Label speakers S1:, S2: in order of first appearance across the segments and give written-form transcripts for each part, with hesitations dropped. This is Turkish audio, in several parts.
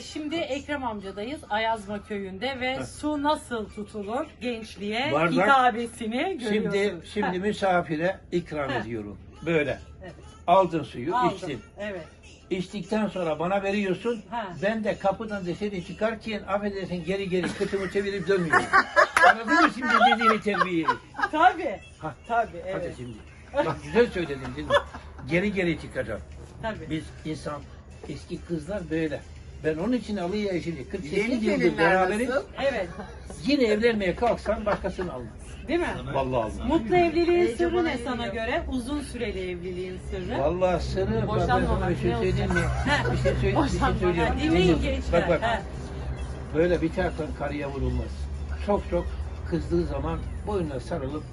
S1: Şimdi Ekrem amcadayız Ayazma köyünde ve su nasıl tutulur gençliğe
S2: Bardak.
S1: hitabesini görüyorsunuz.
S2: Şimdi misafire ikram ediyorum. Böyle.
S1: Evet.
S2: Aldın suyu,
S1: Aldım.
S2: içtin.
S1: Evet.
S2: İçtikten sonra bana veriyorsun.
S1: Ha.
S2: Ben de kapıdan dışarı çıkarken affedersin geri kıtımı çevirip dönmüyorum. Anladın mı şimdi dediğini terbiyeyi?
S1: Tabii.
S2: Ha.
S1: Tabii
S2: Hadi
S1: evet.
S2: şimdi. Bak güzel söyledin değil mi? Geri çıkacağım.
S1: Tabii.
S2: Biz insan, eski kızlar böyle. Ben onun için alayım şimdi. 48
S3: Yeni
S2: yıldır
S3: gelinler
S2: beraberiz.
S3: nasıl?
S1: Evet.
S2: Yine evlenmeye kalksan başkasını almaz.
S1: Değil mi?
S2: Vallahi almaz.
S1: Mutlu evliliğin sırrı
S3: bana
S1: ne sana
S3: geliyor.
S1: göre? Uzun süreli evliliğin sırrı.
S2: Vallahi sırrı bak ben sana
S1: Boşanmamak,
S2: bir şey
S1: ne
S2: söyleyeyim mi?
S1: olacak?
S2: Bir şey söyleyeyim.
S1: Dinleyin
S2: Bak,
S1: gençler.
S2: Bak
S1: Ha.
S2: böyle bir taraftan karıya vurulmaz. Çok kızdığı zaman boynuna sarılıp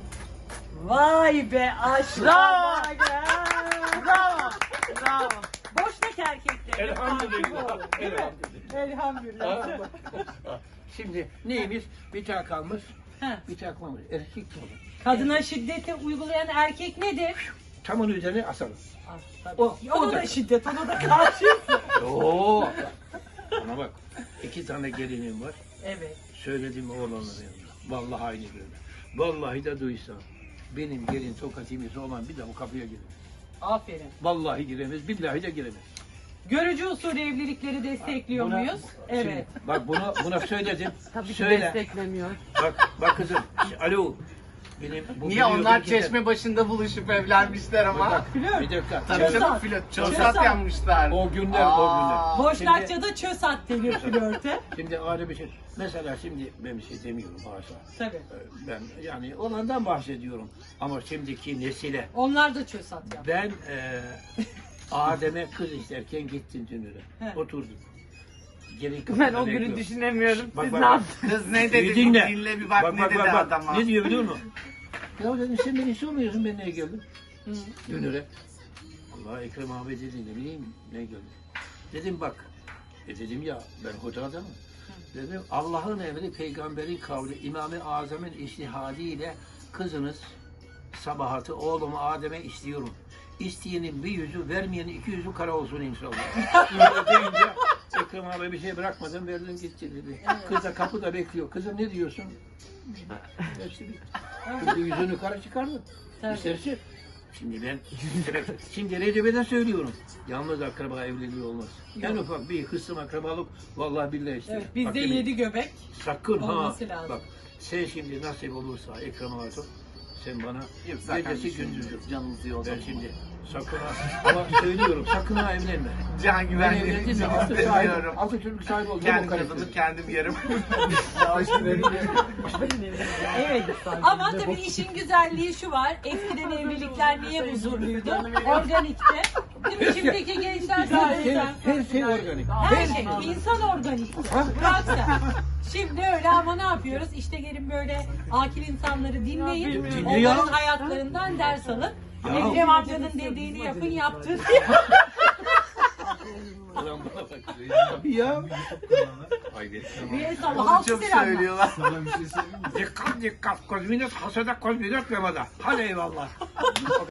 S1: Vay be aşk.
S3: Bravo.
S1: Vay be.
S3: Bravo. Bravo.
S1: Boştaki erkeklerin
S2: Elhamdülillah.
S1: farkı bu, değil mi? Elhamdülillah.
S2: Şimdi neymiş? Bir tane kalmış,
S1: Ha.
S2: bir tane kalmış. Erkek kalmış.
S1: Kadına şiddeti uygulayan erkek nedir?
S2: Tam onun üzerine asalım.
S1: Ah, tabii.
S2: O
S1: Ona
S2: da-
S1: da şiddet, ona da karşıyız.
S2: Oo. Bana bak. 2 tane gelinim var.
S1: Evet.
S2: Söyledim oğlanların yanında. Vallahi aynı böyle. Vallahi de duysa benim gelin tokat yemesi olan bir daha o kapıya giremez.
S1: Aferin.
S2: Vallahi giremez, billahi de giremez.
S1: Görücü usulü evlilikleri destekliyor
S2: Buna-
S1: muyuz? Evet.
S2: Şimdi, bak buna söyledim.
S3: Tabii ki
S2: Söyle.
S3: desteklemiyor.
S2: Bak kızım. Alo. Niye
S3: Niye onlar çeşme başında buluşup evlenmişler ama?
S2: Bir dakika.
S3: Tabii
S2: Sen-
S3: canım flört,
S1: Çösat.
S3: çösat yanmışlar.
S2: O günler.
S1: Boşnakça'da çöz at denir flörte.
S2: Şimdi ayrı bir şey. Mesela şimdi ben bir şey demiyorum haşa.
S1: Tabii.
S2: Ben yani olandan bahsediyorum. Ama şimdiki nesile
S1: Onlar da çöz at yap.
S2: ben Adem'e kız isterken gittim Dünür'e.
S1: He.
S2: Oturduk. Gelin
S4: Ben
S2: kapıda
S4: o günü
S2: bekliyor.
S4: düşünemiyorum.
S2: Bak,
S4: Siz
S2: bak,
S4: ne
S2: bak.
S4: yaptınız?
S3: Kız ne dedi?
S2: Dinle.
S3: Dinle bir bak, ne dedi
S2: bak.
S3: adama.
S2: Ne diyor biliyor musun? Ya dedim sen beni sormuyorsun ben neye geldim?
S1: Hı.
S2: Dünür'e. Allah Ekrem abi dedi ne bileyim ne geldi. Dedim bak. Dedim ya ben hoca adamım. Dedim Allah'ın emri peygamberin kavli İmam-ı Azam'ın iştihadiyle kızınız sabahatı oğlumu Adem'e istiyorum. İsteyenin bir yüzü vermeyenin 2 yüzü kara olsun inşallah. Böyle deyince Ekrem abi bir şey bırakmadan verdim gitti dedi. Kız da kapıda bekliyor. Kızım ne diyorsun? Hepsi bir. Kız da yüzünü kara çıkardı.
S1: Tabii.
S2: İsterse. Şimdi Recep'e söylüyorum. Yalnız akraba evliliği olmaz. En ufak bir kısım akrabalık vallahi billahi ister.
S1: Evet, bizde
S2: Bak,
S1: 7 göbek.
S2: sakın ha.
S1: olması lazım.
S2: Bak sen şimdi nasip olursa Ekrem abi sen bana
S3: Yok, zaten
S2: gecesi gündüzü.
S3: canınızı yolda.
S2: Ben şimdi sakın ha. Ama söylüyorum sakın ha evlenme.
S3: Can
S2: Ben
S3: güvenliğini
S2: evlendim de
S3: istemiyorum.
S2: altı çocuk sahibi oldum.
S3: Kendim
S2: o kadar.
S3: kazanıp kendim yerim.
S1: Evet. Ama tabii işin güzelliği şu var. Eskiden evlilikler niye huzurluydu? Organikte. Değil mi? Şimdiki gençler zaten.
S2: Her şey organik.
S1: Her şey. İnsan organik. Bırak sen. Şimdi öyle ama ne yapıyoruz? İşte gelin böyle akil insanları dinleyin.
S2: Dinliyor.
S1: Onların hayatlarından ders alın.
S2: Ya.
S1: Ekrem amcanın dediğini yapın, yaptığını
S2: Ulan bana bak. Ya.
S1: bir el salla.
S3: Onu
S1: Halkı
S3: çok
S1: selamlar.
S3: söylüyorlar.
S2: Dikkat. Kozminat hasada kozminat memada. Hadi eyvallah.